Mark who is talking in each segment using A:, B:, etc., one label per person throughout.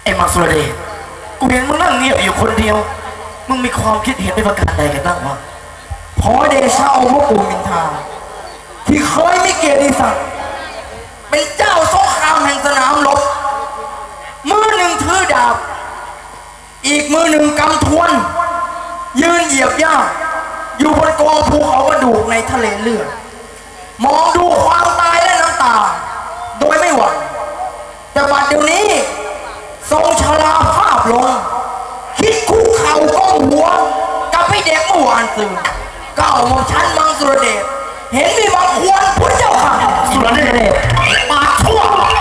A: ไอ้มังสุรเดชกูเห็นมึงนั่งเงียบอยู่คนเดียวมึงมีความคิดเห็นในประการใดกันบ้างวะ
B: ขอเดชะองค์พระปู่มินทาที่เคยมีเกียรติศักดิ์เป็นเจ้าสงครามแห่งสนามรบมือหนึ่งถือดาบอีกมือหนึ่งกำทวนยืนเหยียบย่าอยู่บนกองภูเขากระดูกในทะเลเลือดมองดูความตายและน้ำตาโดยไม่หวั่นแต่บัดเดี๋ยวนี้ทรงชราภาพลงคิดคุกเข่าก้มหัวกับพี่เด็กเมื่อวานซื่อก้าวของฉันมังสุรเดชเห็นมีบางควรพุทธเจ้าค่ะ
A: สุรเดชปากชั่ว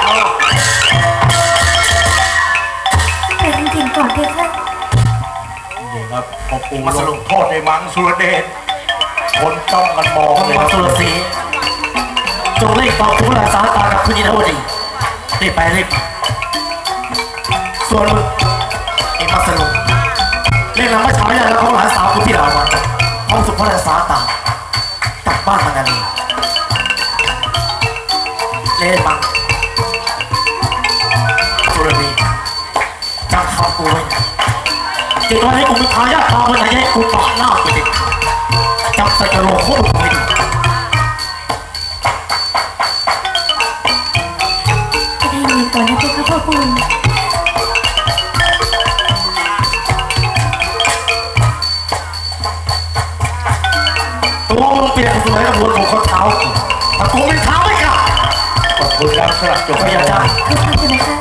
C: แต่จริงๆก่อนเพคะ
D: นี่ครับพอปูมาลงโทษในมังสุรเดชคนจ้องกันมองเลย
A: มังสุรศรีจงรีบบอกผู้รักษาการกับคุณยินดีรีบไปรีบส่วนมึงไอ้มังสลุเรียกนำมาฉายาแล้วเขาหลานสาวคุณที่เรามาห้องสุภาพสาตากลับบ้านมันกันเลยเล่นมังสุรดีจำคำกูไว้เกิดวันให้กูมีทายาทพาวันไหนให้กูปาดหน้าไปดิจำใส่กระโหลกโคตรไม่ดี
C: จะได้ยินก่อนนะเพคะพ่อปู่
A: ตัวมึงเปลี่ยนสวยกับหัวของคนเท้าแต่กูไม่เท้าไม่กล้า
D: ขอบคุณครับสำหรับจบ
A: พยาจ้า
C: คือทำใช่ไหมคะ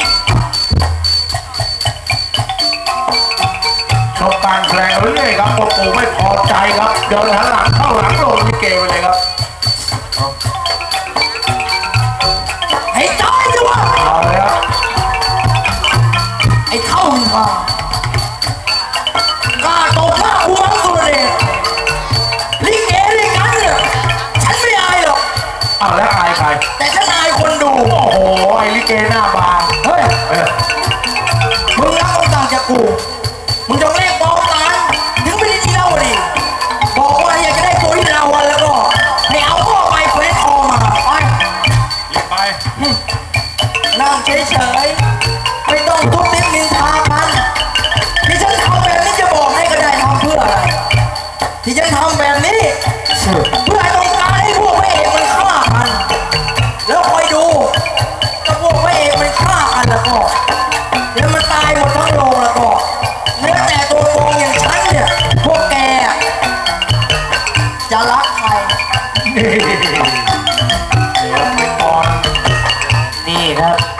D: ชมการแสดงเรื่อยๆครับพอปูไม่พอใจครับเดินหันหลังเข้าหลังลงลิเกไปเลยครับ
B: ให้ตายดีวะ
D: เอาเลยครับ
B: ไอ้เข้ามินทากล้าตบหน้ากูมังสุรเดชลิเกลิกันเนี่ยฉันไม่อายหรอก
D: แล้วอายใคร
B: แต่ฉันอายคนดู
D: โอ้โหไอ้ลิเกหน้าบาง
B: เฮ้ยมึงรับคำสั่งจากกูมึงจะเรียกบอกหลานถึงไม่ได้ที่เล่าดิบอกว่าอยากจะได้ตัวที่เราวันแล้วก็ให้เอาพ่อไปเฟซคอมาไป
D: ไป
B: นั่งเฉยๆไม่ต้องทุบติ๊บนินทากันที่ฉันทำแบบนี้จะบอกให้ก็ได้ทำเพื่ออะไรที่ฉันทำแบบนี้เพื่อต้องการให้พวกพระเอกมันฆ่ากันแล้วคอยดูถ้าพวกพระเอกมันฆ่ากันแล้วก็แล้วมันตายหมดทั้งโรงแล้วก็แม้แต่ตัวโกงอย่างฉันเนี่ยพวกแกจะรักใคร
D: เดี๋ยวไปก่อน
A: นี่ครับ